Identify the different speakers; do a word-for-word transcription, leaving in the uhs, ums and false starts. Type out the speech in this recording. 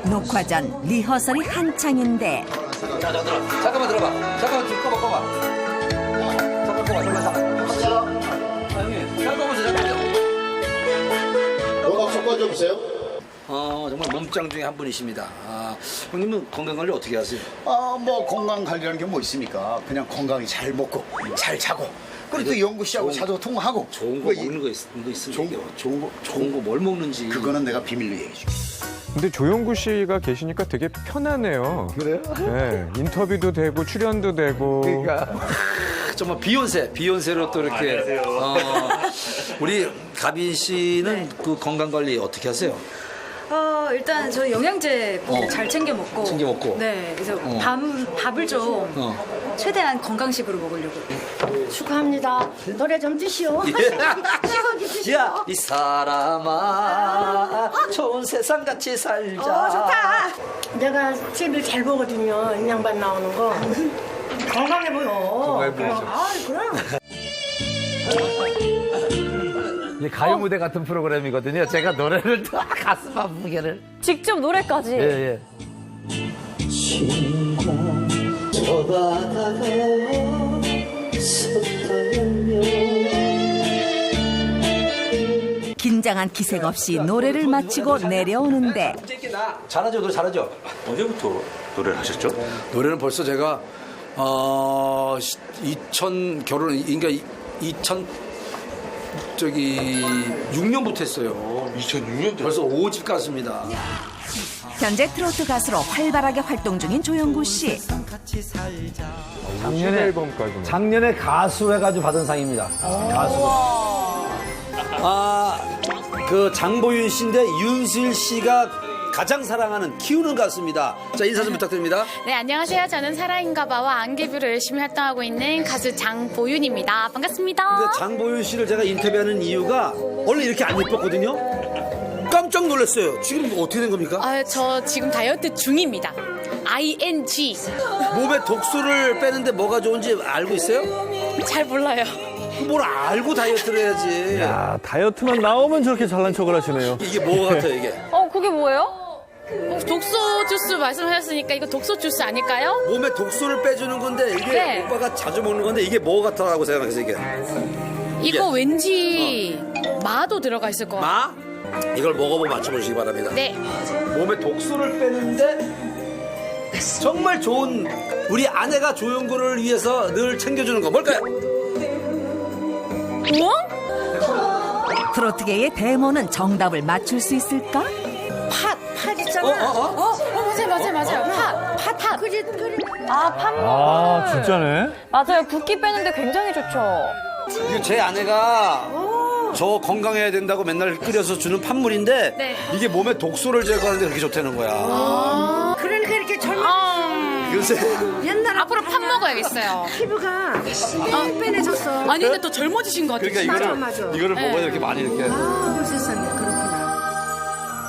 Speaker 1: 녹화 전 리허설이 한창인데
Speaker 2: 자, 자, 들어. 잠깐만 들어봐. 잠깐만 좀 꺼봐, 꺼봐. 잠깐 꺼봐, 잠깐, 잠깐. 아, 형님, 잠깐 보세요, 잠깐만요.
Speaker 3: 음악 좀 꺼줘보세요.
Speaker 2: 어, 정말 몸짱 중에 한 분이십니다. 아, 형님은 건강관리 어떻게 하세요?
Speaker 3: 아, 뭐 건강 관리라는 게 뭐 있습니까? 그냥 건강히 잘 먹고 잘 자고 그리고 또 영구 씨하고 자도 통화하고
Speaker 2: 좋은 거
Speaker 3: 뭐 이-
Speaker 2: 먹는 거, 있, 거 있으면
Speaker 3: 좋은
Speaker 2: 얘기해요.
Speaker 3: 거, 좋은 거,
Speaker 2: 좋은 거 뭘 먹는지.
Speaker 3: 그거는 내가 비밀로 얘기해 줄게.
Speaker 4: 근데 조영구 씨가 계시니까 되게 편하네요.
Speaker 3: 그래요?
Speaker 4: 네, 인터뷰도 되고 출연도 되고.
Speaker 3: 그러니까
Speaker 2: 정말 비욘세, 비욘세로 또 이렇게. 어, 우리 가빈 씨는 그 건강 관리 어떻게 하세요?
Speaker 5: 어, 일단 저 영양제
Speaker 2: 어.
Speaker 5: 잘 챙겨 먹고.
Speaker 2: 챙겨 먹고.
Speaker 5: 네, 그래서
Speaker 2: 어.
Speaker 5: 밥, 밥을 좀
Speaker 2: 어.
Speaker 5: 최대한 건강식으로 먹으려고.
Speaker 6: 축하합니다. 노래 좀 드시오. 시원히 드시오.
Speaker 2: 야, 이 사람아, 좋은 세상 같이 살자.
Speaker 6: 어, 좋다. 내가 티비를 잘 보거든요. 이 양반 나오는 거. 건강해 보여. 건강해 보이죠. 아, 그럼.
Speaker 2: 이게 가요 무대 같은 프로그램이거든요. 제가 노래를 다 가슴 아프게를.
Speaker 7: 직접 노래까지.
Speaker 2: 예, 예. 저 바다가 섰다면
Speaker 1: 긴장한 기색 없이 노래를 마치고 내려오는데
Speaker 2: 잘하죠, 노래 잘하죠.
Speaker 8: 언제부터 노래를 하셨죠?
Speaker 2: 노래는 벌써 제가 어 이천 결혼 그러니까 이천 저기 육 년부터 했어요.
Speaker 8: 이천육 년도
Speaker 2: 벌써 오 집 가수입니다.
Speaker 1: 현재 트로트 가수로 활발하게 활동 중인 조영구 씨.
Speaker 4: 작년에 앨범까지.
Speaker 2: 작년에 가수 해가지고 받은 상입니다. 가수. 아, 그 장보윤 씨인데 윤수일 씨가 가장 사랑하는 키우는 가수입니다. 자, 인사 좀 부탁드립니다.
Speaker 9: 네, 안녕하세요. 저는 사랑인가봐와 안개뷰로 열심히 활동하고 있는 가수 장보윤입니다. 반갑습니다.
Speaker 2: 근데 장보윤 씨를 제가 인터뷰하는 이유가 원래 이렇게 안 예뻤거든요. 깜짝 놀랐어요. 지금 어떻게 된 겁니까?
Speaker 9: 아, 저 지금 다이어트 중입니다. 아이엔지.
Speaker 2: 몸에 독소를 빼는데 뭐가 좋은지 알고 있어요?
Speaker 9: 잘 몰라요.
Speaker 2: 뭘 알고 다이어트를 해야지.
Speaker 4: 야, 다이어트만 나오면 저렇게 잘난 척을 하시네요.
Speaker 2: 이게 뭐 같아요, 이게?
Speaker 7: 어, 그게 뭐예요?
Speaker 9: 어, 독소 주스 말씀하셨으니까 이거 독소 주스 아닐까요?
Speaker 2: 몸에 독소를 빼주는 건데 이게
Speaker 9: 네.
Speaker 2: 오빠가 자주 먹는 건데 이게 뭐 같다라고 생각해서 이게
Speaker 9: 이거 왠지 마도 들어가 있을 것 같아요.
Speaker 2: 마? 이걸 먹어보고 맞춰보시기 바랍니다.
Speaker 9: 네.
Speaker 2: 몸에 독소를 빼는데 정말 좋은 우리 아내가 조영구를 위해서 늘 챙겨주는 거 뭘까요?
Speaker 9: 뭐?
Speaker 1: 트로트계의 데모는 정답을 맞출 수 있을까?
Speaker 6: 팥, 팥
Speaker 2: 어,
Speaker 6: 있잖아.
Speaker 2: 어, 어?
Speaker 9: 어, 어 맞아요, 맞아요, 맞아요. 팥, 팥, 팥.
Speaker 6: 그지, 그지.
Speaker 7: 아, 팥.
Speaker 4: 아, 진짜네.
Speaker 7: 맞아요. 붓기 빼는데 굉장히 좋죠.
Speaker 2: 이거 제 아내가 저 건강해야 된다고 맨날 끓여서 주는 팥물인데
Speaker 9: 네.
Speaker 2: 이게 몸에 독소를 제거하는데 그렇게 좋다는 거야.
Speaker 6: 그러니까 이렇게 젊은
Speaker 9: 아,
Speaker 2: 요새
Speaker 6: 옛날
Speaker 9: 앞으로 팥 먹어야겠어요.
Speaker 6: 피부가 어, 빼내졌어.
Speaker 9: 아니, 근데 더 젊어지신 것 같아요.
Speaker 2: 그러니까 이거를
Speaker 6: 맞아, 맞아.
Speaker 2: 이거를
Speaker 9: 네.
Speaker 2: 먹어야 이렇게 많이 이렇게.
Speaker 6: 아, 세상에. 그래.